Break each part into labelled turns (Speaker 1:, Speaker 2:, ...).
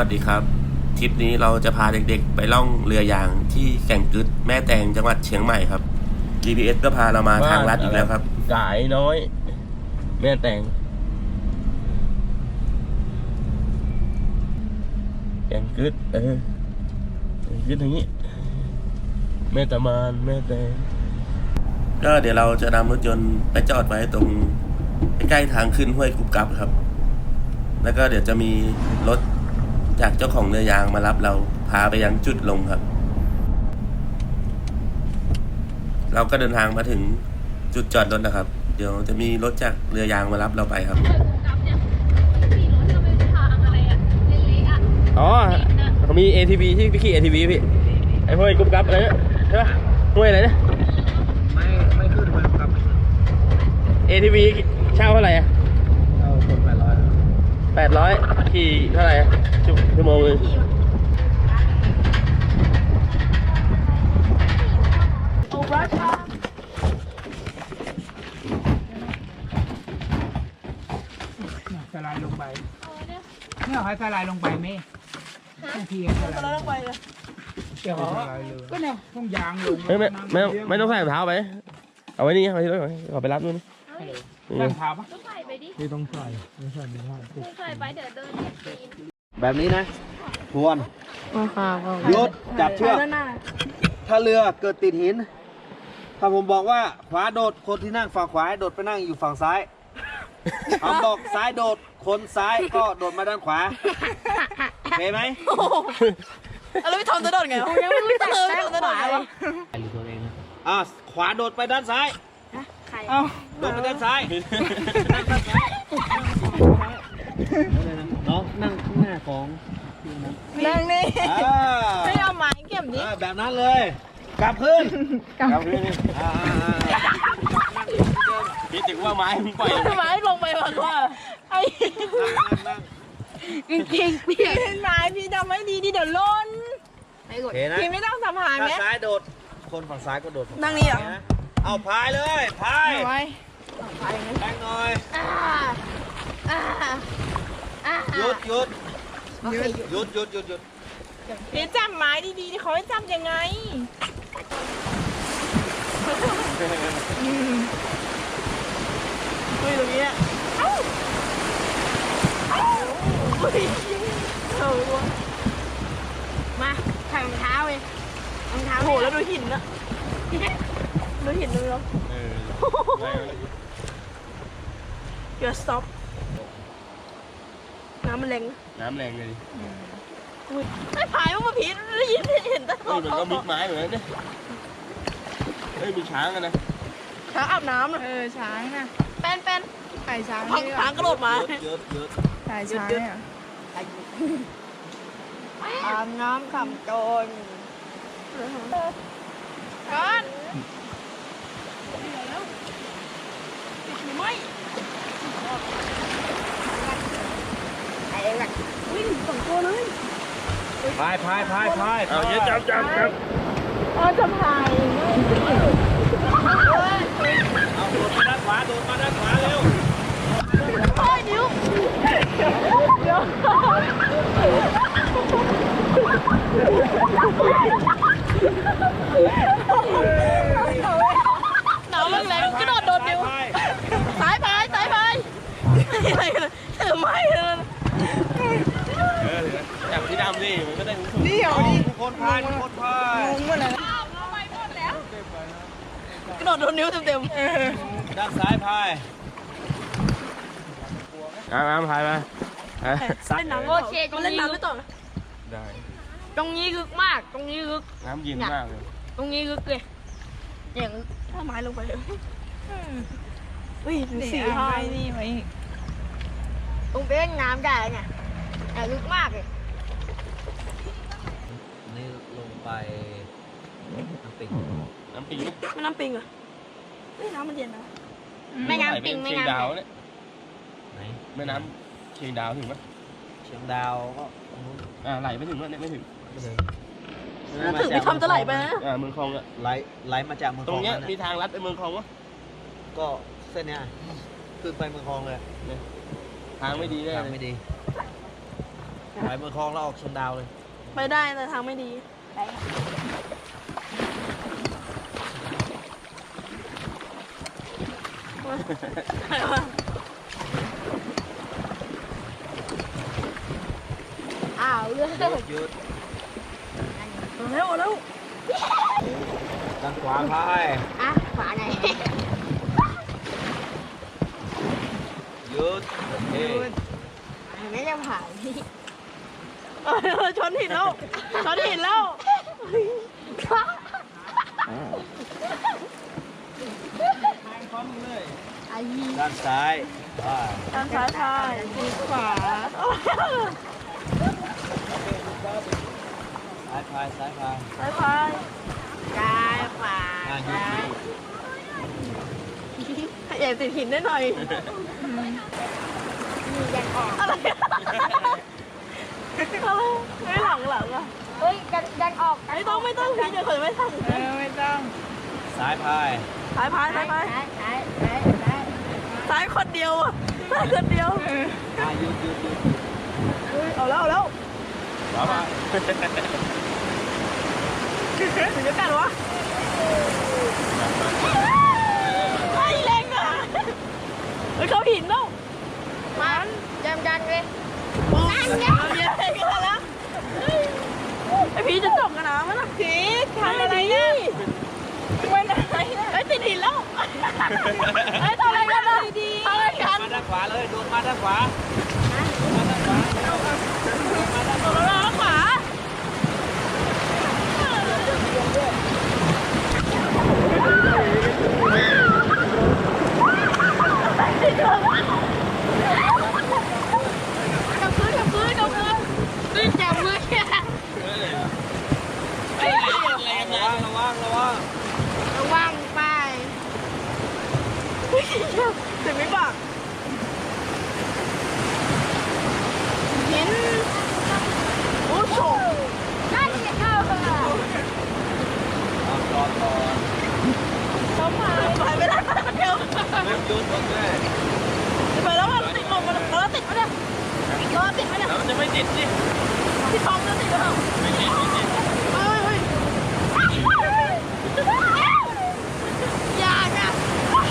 Speaker 1: ดีครับทริปนี้เราจะพาเด็กๆไปล่องเรือยางที่แก่งกึดแม่แตงจังหวัดเชียงใหม่ครับ GPS ก็พาเรามาทางลัดอีกแล้วครับ
Speaker 2: กายน้อยแม่แตงแก่งกึดกึดอย่างนี้แม่ตะมานแม่แตง
Speaker 1: ก็เดี๋ยวเราจะนำรถยนต์ไปจอดไว้ตรงใกล้ๆทางขึ้นห้วยกุบกับครับแล้วก็เดี๋ยวจะมีรถจากเจ้าของเรือยางมารับเราพาไปยังจุดลงครับเราก็เดินทางมาถึงจุดจอดรถนะครับเดี๋ยวจะมีรถจากเรือยางมารับเราไปครับ
Speaker 2: อ๋อเขามี ATV ที่พี่ขี่ ATV พี่ไอ้ห้วยกุ๊บกับอะไรเนี่ยใช่ปะห้วยอะไรเนี่ย
Speaker 3: ไม่ขึ้นไปครับ
Speaker 2: ATV เช่าเท่าไหร่อะ
Speaker 3: เอาคน800
Speaker 2: ขี่เท่าไหร่ชั่วโมงนึง
Speaker 3: สไลด์ลงไปเนี่ยให้สไลด์ลงไปไหมทีสไลด์ลงไปเลยเดี๋ยวก็เนี่ยต้องยางลง
Speaker 2: ไม่ต้องใส่รองเท้าไปเอาไว้นี่เอาไว้ที่รถขอไปรับนู่น
Speaker 3: ต้องเท้าปะ
Speaker 4: ต้องใส่ไปดิ
Speaker 3: ไม่ต้องใส่ไม่ใส่
Speaker 4: ไม่ใส่ไปเดี๋ยวเดินปีน
Speaker 5: แบบนี้นะทวนยศจับเชือกถ้าเรือเกิดติดหินถ้าผมบอกว่าขวาโดดคนที่นั่งฝั่งขวาโดดไปนั่งอยู่ฝั่งซ้ายผมบอกซ้ายโดดคนซ้ายก็โดดมาด้านขวาโอเคไหม
Speaker 4: แล้วพี่ทอมจะโดดไงยังไม่รู้จะเลยจะโดดไง
Speaker 5: ขวาโดดไปด้านซ้าย
Speaker 4: ใคร
Speaker 5: โดดไปด้านซ้ายน้องนั่งข้างหน้าของ
Speaker 4: นั่งนี่ไม่เอาไม้เก็บดิ
Speaker 5: แบบนั้นเลยกลับขึ้น
Speaker 2: พี่ถึงว่าไม้มึงปล่อย
Speaker 4: ไม้ลงไปมันว่าไอ้จริงๆพี่ไม้พี่ทำไม่ดีดิเดี๋ยวล้นพี่ไม่ต้องสัมผัสไหม
Speaker 5: ซ้ายโดดคนฝั่งซ้ายก็โดด
Speaker 4: นั่งนี่เหรอ
Speaker 5: เอาพายเลยพายแรงหน่อยหยุด
Speaker 4: พี่จับไม้ดีๆเขาให้จับยังไงเฮ้ยตรงนี้เอ้ามาใส่รองเท้าเลยรองเท้าโหแล้วดูหินนะดูหินดูแล้วเดี๋ยว stop น้ำมันแรง
Speaker 2: เลย
Speaker 4: ไม่พายมาพีดได้ยินเห็นแต่
Speaker 2: มันก็มิกไม้เหมือนกันเนี่ยมีช้างกันนะ
Speaker 4: ช้างอาบน้ำนะช้างนะเป็นไข่ช้างช้างกระโดดมาไข่ช้างเนี่ยอาบน้ำขำโจรก่อนไม่วิ่งสองตัวเลย
Speaker 5: พาย
Speaker 2: เอาเยอะจับ
Speaker 4: จะพาย
Speaker 5: เอาโดดมาด้านขวาเร็ว
Speaker 4: โอ้ยนิ้วหนาวแรงกระโดดโดดนิ้วสายพายอะไรกันเธอไม่เลย
Speaker 2: จับที่ดำดิมันก็ได้
Speaker 4: เดี๋ยวดิ
Speaker 5: คนพายงง
Speaker 4: หมดเลยกระโดดโดนนิ้วเต็ม
Speaker 5: ด้านซ้ายพาย
Speaker 2: น้ำพายมา
Speaker 4: เล่นน้ำโอเคก็เล่นน้ำไม่ต่อ
Speaker 2: ได้
Speaker 4: ตรงนี้ลึกมากตรงนี้ลึก
Speaker 2: น้ำเย็นมากเลย
Speaker 4: ตรงนี้ลึกเลยอย่างถ้าไม้ลงไปเลยสีพายนี่ไว้ตรงเป็นน้ำใหญ่ไงแต่ลึกมากเลย
Speaker 5: นี่ลงไปน้ำปิง
Speaker 4: ไม่น้ำปิงเหรอน้ำมันเย็นนะไม่น้ำปิงไม่น้ำ
Speaker 2: ดาวเนี่ยไม่น้ำเชียงดาวถึงไหม
Speaker 5: เชียงดาวก็
Speaker 2: ไหลไม่ถึงเนี่ยไม่ถึง
Speaker 4: พี่ทำจะไหลไปนะ
Speaker 2: เมืองคลองอะ
Speaker 5: ไหลมาจากเมืองคลอง
Speaker 2: ตรงเนี้ยมีทางลัดไปเมืองคลองวะ
Speaker 5: ก็เส้นเนี้ยขึ้นไปเมืองคลองเลย
Speaker 2: ทางไม่ดีเลย
Speaker 5: ไม่ดีไปเมืองคลองแล้วออกชนดาวเลย
Speaker 4: ไปได้แต่ทางไม่ดีอ้าวเลือด
Speaker 5: หยุด
Speaker 4: เร็วเร็ว
Speaker 5: ด้านขวาพาย
Speaker 4: อ่ะขวาไง
Speaker 5: หยุดเฮ้ย
Speaker 4: ไม่จะผ่านพี่ชนหินแล้วชนหินแล้ว
Speaker 5: ด้านซ้ายพาย
Speaker 4: ทางซ้ายพายขวา
Speaker 5: ซ้ายพายซ้ายพาย
Speaker 4: ซ้ายพายกายขวา
Speaker 5: หยุด
Speaker 4: อย่าติดหินได้หน่อยมียันออกอะไรไม่หลังอ่ะเฮ้ยยันออกไม่ต้องพี่เดี๋ยวเคยไม่ทัน
Speaker 3: ไม่ต้อง
Speaker 5: ซ้ายพาย
Speaker 4: ซ้ายพายซ้ายคนเดียวอ่ะซ้ายคนเดียว
Speaker 5: หยุด
Speaker 4: เอาแล้ว
Speaker 5: ขวาพาย
Speaker 4: ถึงจะกัดวะไอ้แรงอ่ะเขาหินแล้วมันยันเลยนั่นไงเยอะกันแล้วไอพีจะจบกันนะมันหนักพีทำอะไรเนี่ยไม่ได้ไอ้ติดหินแล้วไอ้ทำอะไรกันนะทำอะไรกัน
Speaker 5: มาด้านขวาเลยโดนมาด้านขวา
Speaker 4: แล้วขวากับพื้นจับมือระวังไปถึงไม่บอกเห็นโอ้โหน่าจะเข้าค่ะต้องไปไม่ได้เดี๋ยวไปแล้วมันติดลมเราติดไหมเนี่ยเราติดไหมเนี่ย
Speaker 2: แล้วจะไม่ติดสิ
Speaker 4: ที่ท้องเราติดหรือเปล่า
Speaker 2: ไม่ติด
Speaker 4: เฮ้ยอย่านะเฮ้ย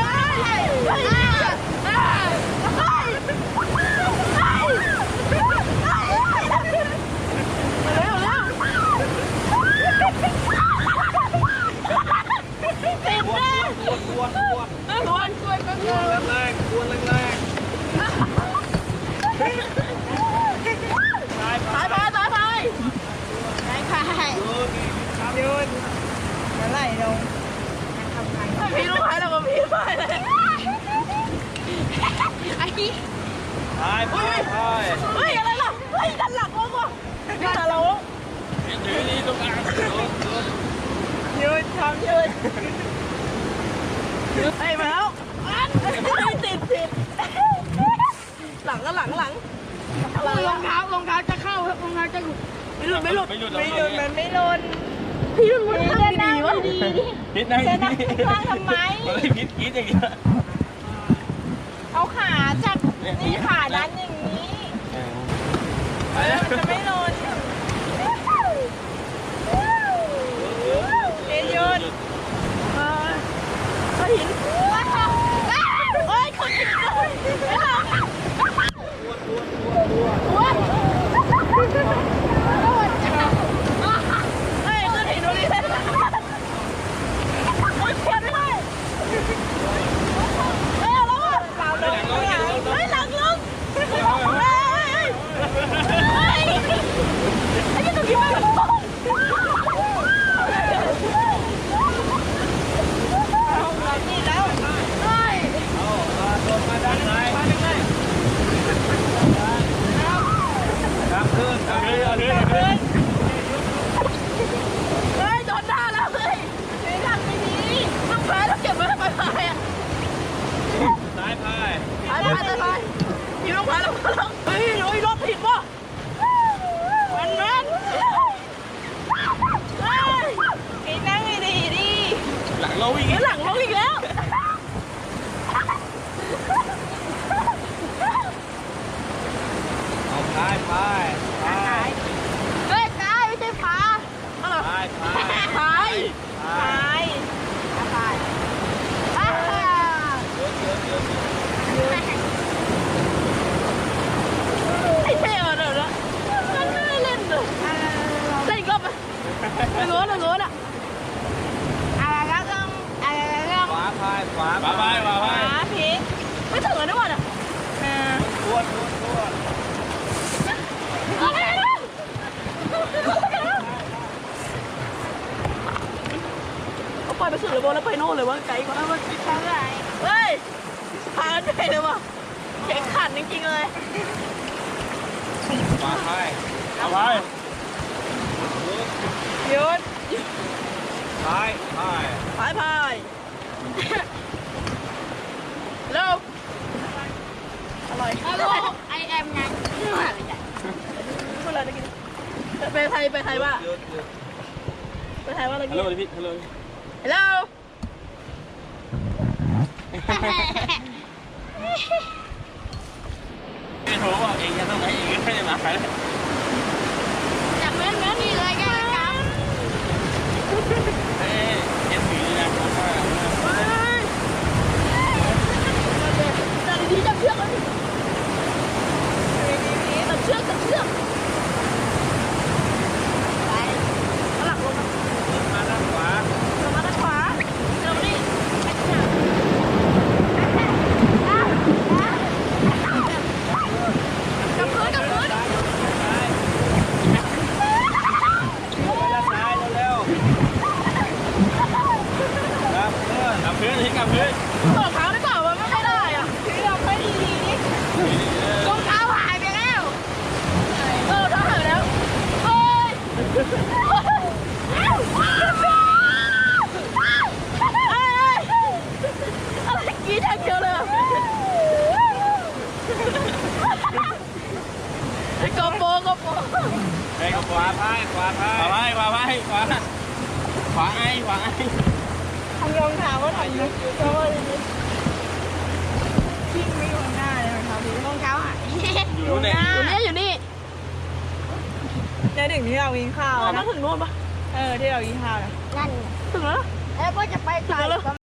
Speaker 4: พี่รู้ไหมเราก็พี่ไปเลยไอ้นี่
Speaker 5: พายพายพาย
Speaker 4: เฮ้ยอะไรล่ะเฮ้ยดันหลังเราดันเรา
Speaker 2: ถือนี่ตรงกลาง
Speaker 4: ยืนทำยืนไอ้มาแล้วติดหลังก็หลังรองเท้าจะเข้าครับรองเท้าจะหลุดไม่หลุดมันไม่หลุดพี่รุ่นมันทำดีวะดี
Speaker 2: พิษนะ
Speaker 4: จะนั่งข้างทำไม
Speaker 2: พิษอย่างเงี้ย
Speaker 4: เอาขาจับนี่ขาดันอย่างนี้จะไม่หลุดเยืนก็หินเฮ้ยคนหินเลยไม่หรอกอ้วนเฮ้ยขึ้นหินดูดิเฮ้ยเขียนไม่ได้เฮ้ยแล้วอ่ะเฮ้ยหลังลงเฮ้ยทางโน้นอ่ะอะไรก็ต้องอะไรก็ต้อง
Speaker 5: ขวาพายขวา
Speaker 2: มาไปมาไป
Speaker 4: พีไม่ถึงแล้วด้วยอ่ะ
Speaker 5: ทวน
Speaker 4: เขาปล่อยไปสุดเลยบอลแล้วไปโน่นเลยวะไกลกว่ามันไปทางไหนเฮ้ยพาไปเลยวะแข็งขันจริงๆเลย
Speaker 5: ขวาพาย
Speaker 2: เอาไป
Speaker 4: หยุด
Speaker 5: พายพาย
Speaker 4: พายเร็วอร่อยไอแอมไงพูดอะไรตะกี้ไปไทยว่า
Speaker 5: หยุด
Speaker 4: ไปไทยว่าอะไร
Speaker 2: ฮัล
Speaker 4: กี้
Speaker 2: โหลพี่ฮัลโหล
Speaker 4: ฮัลโหล
Speaker 2: พี่โทรบอกเองจะต้องไหนเองไม่ได้มาใครเลย
Speaker 4: จากแม่นี่เลยแกครับ
Speaker 2: เอ๊ะเอ็นสีนะผมว่า
Speaker 4: จับดีจับเชือกเลยจับเชือกไปข้างหลังลง
Speaker 5: มาด้านขวา
Speaker 4: มาด้านขวาเร็วดิกับพื้น
Speaker 5: ด้านซ้ายเร็วครับเพื่อน
Speaker 2: กับพื้นที่กับพื้น
Speaker 4: รองเท้าได้เปล่ามันไม่ได้อ่ะพี่ลองไปดีนี่รองเท้าหายไปแล้วรองเท้าหายแล้วเฮ้ยอะไรกี้ทางเดียวเลยกบโป
Speaker 2: ไปกับขวาพายขวาพายขวาขวาไอ้ขวาไอ้
Speaker 4: ทำรองเท้าก็ทำนะเพราะว่าทิ้งไม่อยู่ข้างหน้าเลยรองเท้าพี่รองเท้าหาย
Speaker 2: อยู่ไหน
Speaker 4: อยู่นี่
Speaker 6: จะถึงที่เรากินข้าว
Speaker 4: ต้องถึงโน่นปะ
Speaker 6: ที่เรากินข้าวนะ
Speaker 4: ถึงแล้ว
Speaker 6: แล้วก็จะไปไกล